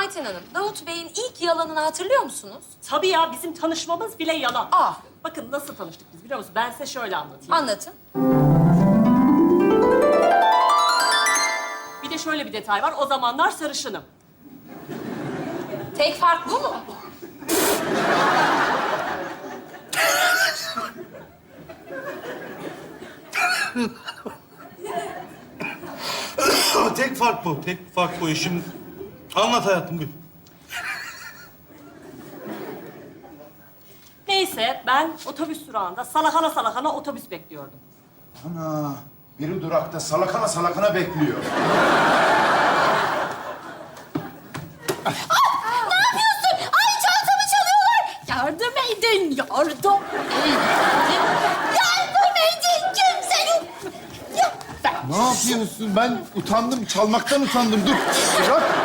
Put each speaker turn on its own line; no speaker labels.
Ayten Hanım, Davut Bey'in ilk yalanını hatırlıyor musunuz?
Tabii ya, bizim tanışmamız bile yalan.
Aa.
Bakın nasıl tanıştık biz biliyor musunuz? Ben size şöyle anlatayım.
Anlatın.
Bir de şöyle bir detay var. O zamanlar sarışınım.
Tek fark bu mu?
Tek fark bu. Tek fark bu işim. Anlat hayatım bir.
Neyse, ben otobüs durağında salakana salakana otobüs bekliyordum.
Ana, biri durakta salakana salakana bekliyor.
Ay çantamı çalıyorlar! Yardım edin, yardım edin! Yardım edin kimse!
Ne yapıyorsun? Ben utandım, çalmaktan utandım. Dur, bırak.